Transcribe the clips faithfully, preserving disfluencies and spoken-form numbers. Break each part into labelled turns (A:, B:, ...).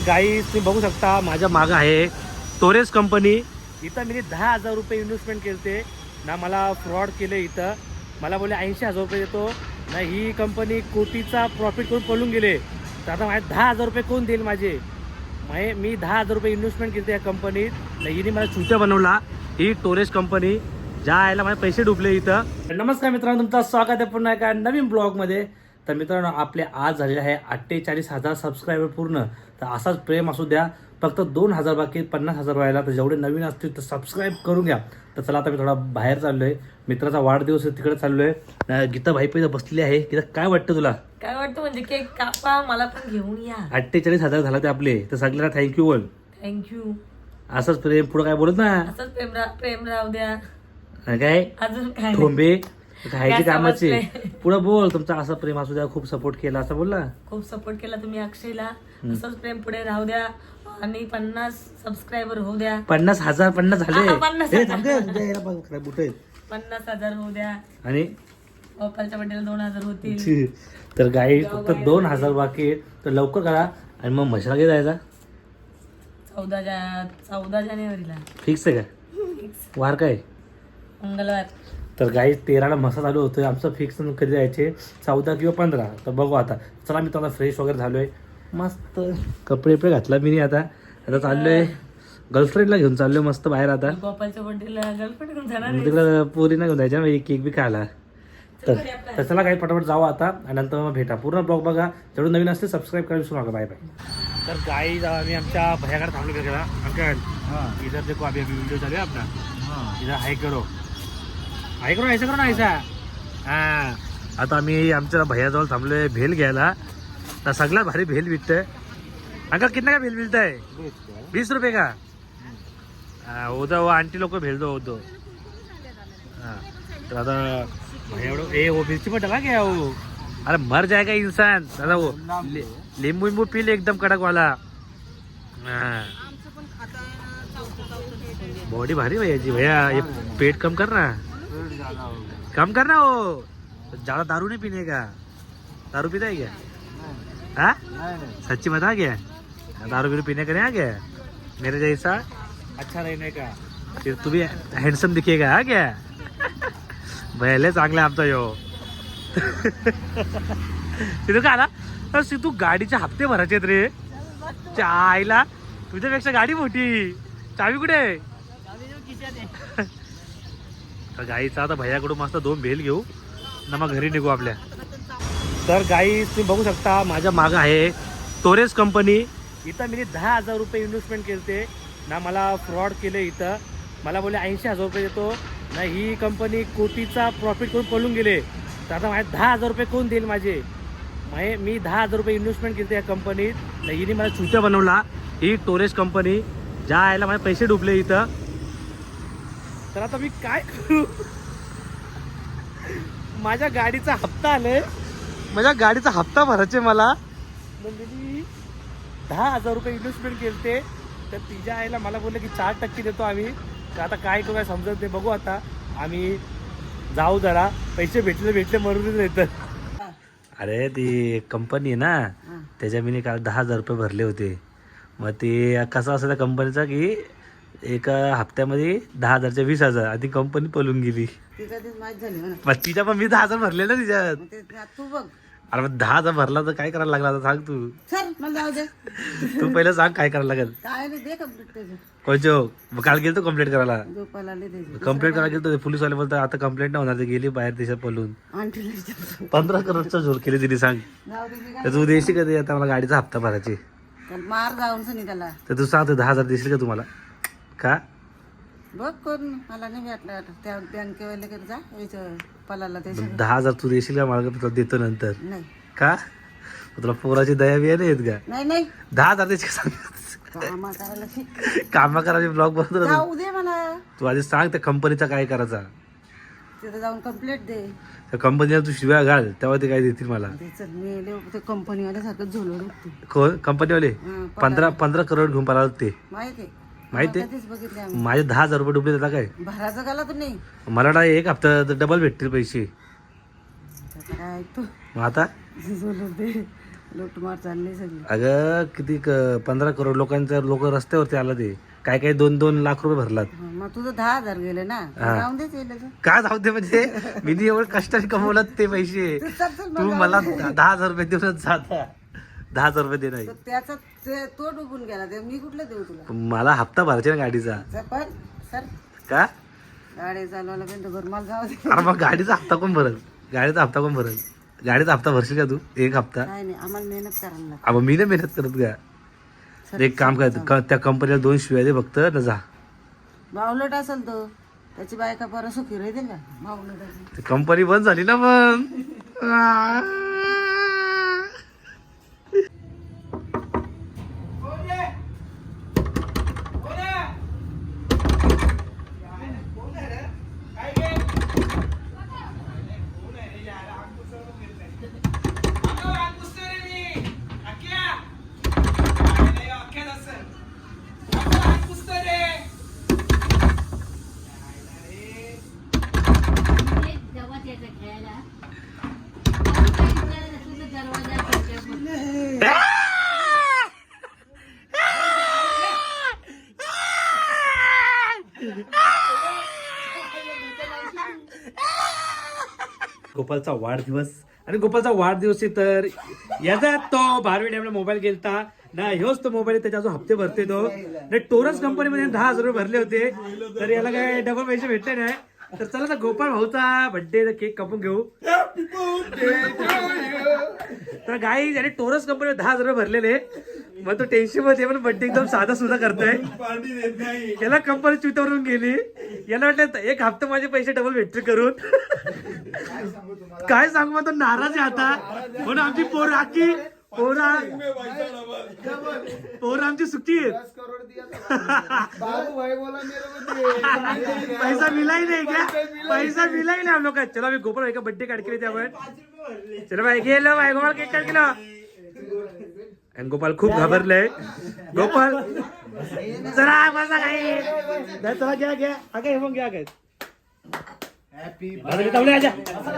A: गाईस तुम्ही बघू शकता माझ्या मागं आहे टोरेस कंपनी. इथं मी दहा हजार रुपये इन्व्हेस्टमेंट केलते ना, मला फ्रॉड केले. इथं मला बोलले ऐंशी हजार रुपये देतो ना, ही कंपनी कोटीचा प्रॉफिट करून पळून गेले. तर आता माझे दहा हजार रुपये कोण देईल माझे? म्हणजे मी दहा हजार रुपये इन्व्हेस्टमेंट केली या कंपनीत ना, हिने मला चुत्या बनवला. ही टोरेस कंपनी ज्या आयला माझे पैसे डुबले इथं. नमस्कार मित्रांनो, तुमचं स्वागत आहे पुन्हा एका नवीन ब्लॉगमध्ये. तर मित्रांनो, आपले आज झालेले आहे अठ्ठेचाळीस हजार सबस्क्रायबर पूर्ण. तर असाच प्रेम असू द्या. फक्त दोन हजार बाकी पन्नास हजार व्हायला. तर जेवढे नवीन असतील तर सबस्क्राईब करून घ्या. तर चला, आता मी थोडा बाहेर चाललो आहे. मित्राचा वाढदिवस आहे, तिकडे चाललो आहे. गीता भाई पैसे बसलेली आहे. गीता, काय वाटतं तुला?
B: काय वाटतं म्हणजे केक कापा, मला पण घेऊन या.
A: अठ्ठेचाळीस हजार झाला ते आपले. तर सगळ्यांना थँक्यू बोल.
B: थँक्यू.
A: असंच प्रेम पुढं काय बोलत ना.
B: असंच प्रेम रा- प्रेम राहू द्या.
A: काय
B: अजून काय
A: ठोंबे खायचे
B: काय
A: कामाचे.
B: समजलंय?
A: पुढं बोल. तुमचा असं प्रेम असू द्या. खूप सपोर्ट केला असं बोलला.
B: खूप सपोर्ट केला तुम्ही अक्षयला. असंच प्रेम पुढे राहू द्या आणि पन्नास सबस्क्रायबर होऊ द्या.
A: पन्नास हजार पन्नास झाले.
B: हा, पन्नास
A: ए,
B: हजार.
A: थांब गं, तुझ्या याला बघ, काय बुटं आहेत.
B: पन्नास हजार होऊ द्या.
A: आणि
B: गोपालच्या बड्डेला दोन हजार होतील.
A: तर गाई फक्त दोन हजार बाकी आहेत. तर लवकर करा. आणि मग म्हशीला घे जायचा.
B: चौदा जा चौदा जानेवारीला
A: फिक्स आहे का? वार काय?
B: मंगळवार.
A: तर गाई तेराला मसा चालू होतोय. आमचं फिक्स कधी जायचे, चौदा किंवा पंधरा. तर बघू आता. चला, मी तुम्हाला फ्रेश वगैरे झालोय. मस्त कपडे बिपडे घातला मी आता. आता चाललोय गर्लफ्रेंडला घेऊन चाललोय मस्त बाहेर. आता
B: गोपालच्या बड्डेला गर्लफ्रेंड घेऊन जाणार आहे.
A: तिकडं पोरी नाही घेऊन जायच्या, एक केक बी खायला. तर
B: घरी आपला.
A: तर चला काही पटापट जाऊ आता. आणि नंतर मग भेटा. पूर्ण ब्लॉग बघा. जेवढे नवीन असते सबस्क्राईब करायला विसरू नका. Bye bye. तर गाई आम्ही आमच्या भैयाकडे थांबलो गेला. अंकल इधर देखो, अभी अभी वीडियो चालू है अपना. इधर हाय करो, हाय करो, ऐसा करो ना, ऐसा. हा, आता आम्ही आमच्या भैयाजवळ थांबलोय भेल घ्यायला. तर सगळ्यात भारी भेल विकतंय. अंकल कितना का भेल मिलता है? बीस रुपये का? हाँ, उधर वो आंटी लोग को भेज दो दो. हाँ, तो आता भैया ए वो मिर्ची में डला गया वो. अरे मर जाएगा इंसान दादा. वो ले- नींबू वींबू पी ले एकदम कड़क वाला. हाँ, बॉडी भारी भैया जी. भैया ये पेट कम करना, कम करना. वो ज्यादा दारू नहीं पीने का. दारू पीता है क्या? हाँ, सच्ची बता क्या? दारू बीरू पीने का नहीं आ गया मेरे जैसा अच्छा रहने का. फिर तू भी हँडसम दिखेगा. हा क्या? भले चांगला आमचा यो. सिद्धू का आला? अरे सिद्धू, गाडीचे हप्ते भरायचे आहेत रे. च्या आईला, तुझ्यापेक्षा गाडी मोठी. चावी कुठे? तर गाईचा आता भैयाकडून मस्त दोन भेल घेऊ ना, मग घरी निघू आपल्या. तर गाई तुम्ही बघू शकता माझ्या मागं आहे टोरेस कंपनी. इथं मी दहा हजार रुपये इन्व्हेस्टमेंट केलते ना, मला फ्रॉड केले. इथं मला बोलले ऐंशी हजार रुपये देतो ना, ही कंपनी कोटीचा प्रॉफिट करून पळून गेले. तर आता माझे दहा हजार रुपये कोण देईल माझे? म्हणजे मी दहा हजार रुपये इन्व्हेस्टमेंट केली या कंपनीत ना, हिने मला चुत्या बनवला. ही टोरेस कंपनी ज्या आयला माझे पैसे डुबले इथं. तर आता मी काय करू? माझ्या गाडीचा हप्ता आलाय. माझ्या गाडीचा हप्ता भरायचे मला. म्हणजे मी दहा हजार रुपये इन्व्हेस्टमेंट केलते. तर तिच्या आईला मला बोलले की चार टक्के देतो आम्ही. तर आता काय करू, काय समजत नाही. बघू आता. आम्ही जाऊ जरा. पैसे भेटले भेटले मरूनच येतं. अरे ती कंपनी आहे ना, त्याच्या मी काल दहा हजार रुपये भरले होते. मग ते कसं असं त्या कंपनीचा की एका हप्त्यामध्ये दहा हजारच्या वीस हजार आधी कंपनी पळून गेली. मग तिच्या पण मी दहा हजार भरले ना तिच्यात.
C: तू बघ.
A: अरे मग दहा हजार भरला तर काय करायला लागला आता सांग तू.
C: सर मला जाऊ दे.
A: तू पहिलं सांग काय करायला लागेल.
C: काय नाही, दे कंप्लीट त्याचं.
A: कोणचो मग काल गेलतो कंप्लेंट करायला.
C: गोपाला दे.
A: कंप्लेंट करायला गेलतो. पोलीसवाले बोलतात आता कंप्लेंट नाही होणार, ते गेली बाहेर देशात पळून.
C: आंटीला विचारतो.
A: पंधरा करोडचा जोर केली तिने. सांग
C: जाऊ दे मी काय.
A: तर तू देशील का ते आता मला गाडीचा हप्ता भरायचे?
C: त्याला मार जाऊन सनी त्याला.
A: तर तू सांग, दहा हजार देशील का तुम्हाला? का
C: बघ कोण मला नाही भेटला. त्या बँकेवाले कडे जा, याचं पलाला ते सगळं.
A: दहा हजार तू देशील का मला? तुला देतो नंतर.
C: नाही
A: का तुला पोराची दया बिया नाही येत का?
C: नाही नाही.
A: दहा हजार देशील का सांग.
C: कामा करायला शिक.
A: कामा करायचे ब्लॉग बनवतो ना तू.
C: जाऊ दे मला.
A: तू आधी सांग त्या कंपनीचा काय करायचा.
C: तिथं जाऊन कंप्लेंट दे.
A: त्या कंपनीला तू शिव्या घाल तेव्हा ते काय देतील मला.
C: त्याचं मेले ते कंपनीवाल्या सारखं झोलवलं ते.
A: कोण कंपनीवाले?
C: हं,
A: पंधरा पंधरा करोड घेऊन पळाला ते.
C: माहिती आहे.
A: माहिती आहे?
C: कधीच बघितले आम्ही.
A: माझे दहा हजार रुपये डुबले. त्याला काय
C: भराचं गाला तर नाही.
A: मला वाटलं एक हप्ता डबल भेटतील पैसे.
C: त्याचं काय ऐकतो.
A: मग आता
C: झोलवलं दे. लूटमार चालली सगळी.
A: अगं किती क- पंधरा करोड लोकांच्या लोक रस्त्यावरती आला ते काय काय दोन दोन लाख रुपये भरलात.
C: हं, मग तुझं दहा हजार गेले ना
A: हा.
C: जाऊन देच येईल तू.
A: का जाऊ दे म्हणजे मी एवढं कष्टाने कमवलं ते पैसे
C: तू चल, चल,
A: तू
C: मग
A: मला
C: जाऊ दे.
A: दहा हजार रुपये देऊनच जाता दहा हजार रुपये दे नाही
C: तर त्याचा ते- तो डुबून गेला ते मी कुठलं देऊ तुला.
A: मला हप्ता भरायचा ना गाडीचा
C: चल, पण सर
A: का
C: गाडी चालवायला पण घर मला जाऊ दे.
A: अरे मग गाडीचा हप्ता कोण भरल गाडीचा हप्ता कोण भरल गाडीचा हप्ता भरशील का तू एक हप्ता
C: काय नाही आम्हाला मेहनत करायला लागते.
A: अब मी नाही मेहनत करत का एक काम कर क- त्या कंपनीला दोन शिव्या दे फक्त न जा
C: बावलट असेल तो त्याची बायका परत सुखी राहते का बावलट असेल.
A: कंपनी बंद झाली ना मग गोपालचा वाढदिवस आणि गोपालचा वाढदिवस आहे तर याचा तो बारवी डॅमला मोबाईल गेलता ना ह्योच तो मोबाईल त्याच्या अजून हप्ते भरते तो नाही टोरस कंपनीमध्ये दहा हजार रुपये भरले होते तर याला काय डबल पैसे भेटले नाही तर चला ना गोपाल भाऊचा बर्थडे केक कापून घेऊ तर गाई याने टोरस कंपनीवर दहा हजार रुपये भरलेले मग तो टेन्शन मध्ये पण बर्थडे एकदम साधा सुद्धा करतोय याला कंपनी चुतवरून गेली याला वाटलं एक हप्ता माझे पैसे डबल भेटते करून काय सांगू मग तो नाराज आहे आता म्हणून आमची पोर आखी पोरा पोर आमची सुट्टी आहेत पैसा मिला ही नहीं क्या पैसा मिला ही नहीं हम लोग का चलो अभी गोपाल भाई का बर्थडे काट के लेते हैं आपण चलो भाई गेलो भाई गोपाल केक काट केलो आणि गोपाल खूप घाबरलाय गोपाल चला बसा काही चला घ्या घ्या आगे मग घ्या काय तवले आजा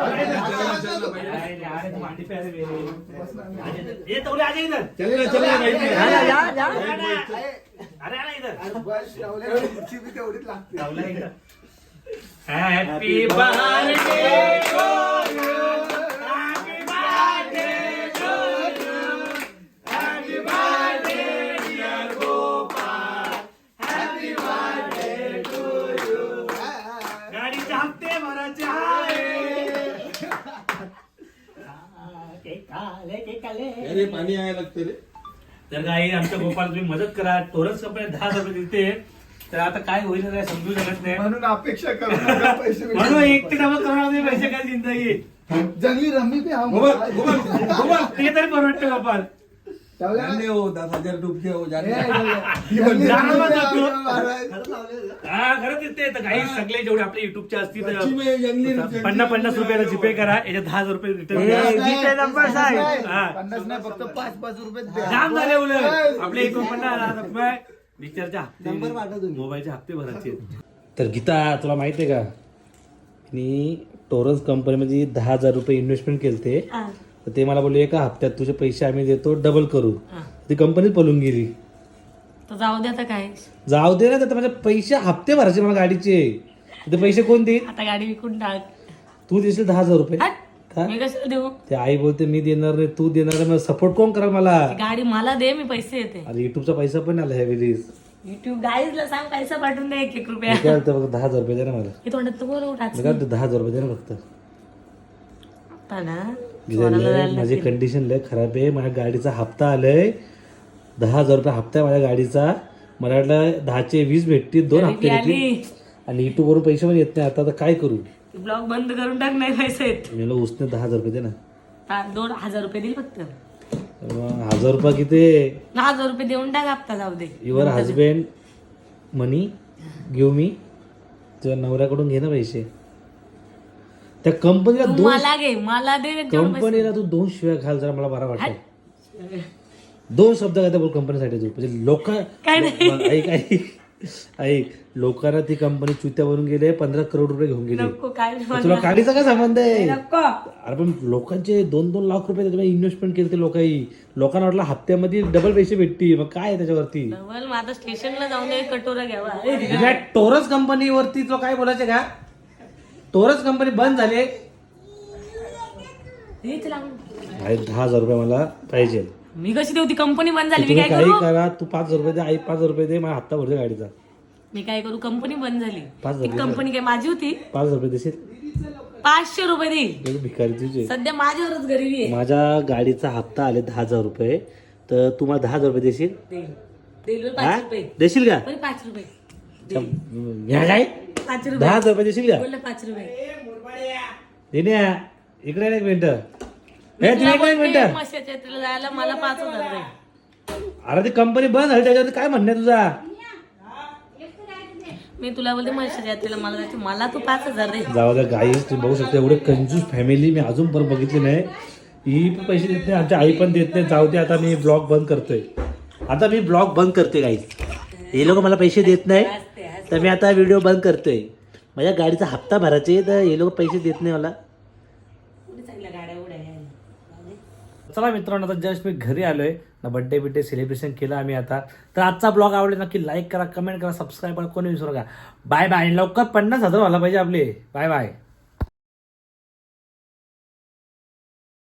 A: ये तवले आजा इधर चल चल या या या अरे आना इधर खुर्ची भी तेवढीच लागते तवला इधर happy birthday to you happy birthday to you happy birthday dear Gopal happy birthday to you गाडीचे हप्ते भरायचे आहे
D: अरे पाणी यायला लागतं रे.
A: तर काही आमच्या गोपाल तुम्ही मदत करा टोरस कंपनी दहा हजार रुपये देते तर आता काय होईल काय समजू शकत नाही
D: म्हणून अपेक्षा करू नका पैसे भेटतील.
A: म्हणून एक ते डबल करणार पैसे काय जिंदगी
D: जंगली रम्मी पे हम गोपाल गोपाल गोपाल
A: ते तरी परवडते गोपाल
D: जाने हो दस हजार डुबके हो जाने
A: जाणार मग जातो. हा खरंच ते तर काही सगळे जेवढे आपले युट्यूबचे असतील
D: सच्ची में जंगली
A: तर पन्नास पन्नास रुपयाला जीपे करा याच्या दहा हजार रुपये रिटर्न हा
D: पन्नास नाही फक्त पाच पाच रुपये द्या.
A: जाम झाले उलट आपले एकोणपन्नास रुपये रिचार्जचे हप्ते मोबाईलचे हप्ते भरायचे तर गीता तुला माहित आहे का मी टोरस कंपनीमध्ये दहा हजार रुपये इन्व्हेस्टमेंट केलते
B: हा.
A: तर ते मला बोलले एका हप्त्यात तुझे पैसे आम्ही देतो डबल करू ती कंपनीत पळून गेली
B: तर जाऊ दे आता काय
A: जाऊ दे ना तर माझे पैसे हप्ते भरायचे मला गाडीचे ते पैसे कोण देईल
B: आता गाडी विकून टाक
A: तू देशील दहा हजार रुपये
B: हट.
A: का
B: मी कसं देऊ
A: ते आई बोलते मी देणार नाही तू देणार नाही सपोर्ट कोण करा मला
B: गाडी मला दे मी पैसे येते
A: अरे युट्यूबचा पैसा पण आला ह्या वेळेस
B: युट्यूब गाईजला सांग पैसा पाठवून दे एक एक रुपया
A: मी काय म्हणतो बघ दहा हजार रुपये दे ना मला
B: हे तोंडात तर बोलू
A: मी काय म्हणतो दहा हजार रुपये दे ना फक्त
B: आता ना
A: लय माझी कंडिशन लय खराब आहे माझ्या गाडीचा हप्ता आलाय दहा हजार रुपये हप्ता आहे माझ्या गाडीचा मला वाटलं दहाचे वीस भेटतील दोन हप्ते भेटतील आणि युट्यूब वरून पैसे पण येत नाही आता आता काय करू
B: ब्लॉग बंद करून टाक नाही पैसे येत
A: मी म्हणलं उसने दहा हजार रुपये दे ना
B: हा, दोन हजार रुपये देईल फक्त
A: मग हजार रुपये किती
B: दहा हजार रुपये देऊन टाक हप्ता जाऊ दे
A: your husband money give me तुझ्या नवऱ्याकडून घे ना पैसे त्या कंपनीला
B: तू
A: दोन
B: मला घे मला दे तेवढे पैसे.
A: कंपनीला तू दोन शिव्या घाल जरा मला बरा वाटत दोन शब्द काय बोल कंपनीसाठी तू म्हणजे लोक
B: काय नाही
A: ऐक ऐक ऐक लोकांना ती कंपनी चुत्या बनून गेले पंधरा करोड रुपये घेऊन गेले
B: नको काय
A: मग तुला गाडीचा काय संबंध आहे
B: नको
A: अरे पण लोकांचे दोन दोन लाख रुपये त्याच्यामध्ये इन्व्हेस्टमेंट केले ते लोकांनी लोकांना वाटलं हप्त्यामध्ये डबल पैसे भेटतील मग काय आहे त्याच्यावरती
B: डबल मग आता स्टेशनला जाऊन एक कटोरा घ्यावा
A: तुझ्या टोरस कंपनीवरती तुला काय बोलायचं का टोरस कंपनी बंद झाली
B: हेच लागून.
A: आहे दहा हजार रुपये मला पाहिजे
B: मी कशी देऊ ती कंपनी बंद झाली मी
A: तुम्ही
B: काय
A: काही
B: करू
A: करा तू पाच हजार रुपये दे आई पाच हजार रुपये दे मला हप्ता भरते गाडीचा
B: मी काय करू कंपनी बंद झाली
A: पाच
B: ती
A: हजार
B: कंपनी काय माझी होती
A: पाच हजार रुपये देशील
B: पाचशे रुपये देईल
A: एक भिकारी तुझे
B: सध्या माझ्यावरच गरीबी आहे
A: माझ्या गाडीचा हप्ता आले दहा हजार रुपये तर तू मला दहा हजार रुपये देशील
B: देईल देईल बरं
A: हा?
B: पाच रुपये
A: देशील का
B: बरं पाच रुपये
A: ह्या काय
B: पाच
A: दहा
B: रुपये
A: हजार रुपये देशील का
B: बोललं पाच रुपये
A: देण्या इकडे ये एक मिनिट हे
B: तुला
A: तुम्ही एक
B: बोलते,
A: मिनिट
B: म्हशीच्या यात्रेला जायला मला पाच हजार दे.
A: अरे ती कंपनी बंद झाली त्याच्यावरती काय म्हणणं आहे तुझा
B: मी तुला बोलते म्हशीच्या यात्रेला मला जायचं मला तू पाच हजार दे
A: जाऊ द्या गाई तुम्ही बघू शकता एवढे कंजूस फॅमिली मी अजून पण बघितली नाही ही पण पैसे देत नाही आमची आई पण देत नाही जाऊ दे आता मी ब्लॉग बंद करतोय आता मी ब्लॉग बंद करतोय गाई हे लोक मला पैसे देत नाही तर मी आता व्हिडिओ बंद करतोय माझ्या गाडीचा हप्ता भरायचे तर हे लोक पैसे देत नाही मला
B: गाड्या उड्या
A: चला मित्रांनो आता जस्ट मी घरी आलोय ना बड्डे बिड्डे सेलिब्रेशन केलं आम्ही आता तर आजचा ब्लॉग आवडला नक्की लाईक करा कमेंट करा सबस्क्राईब करा कोणी विसरू नका बाय बाय लवकर पन्नास हजार व्हायला पाहिजे आपले बाय बाय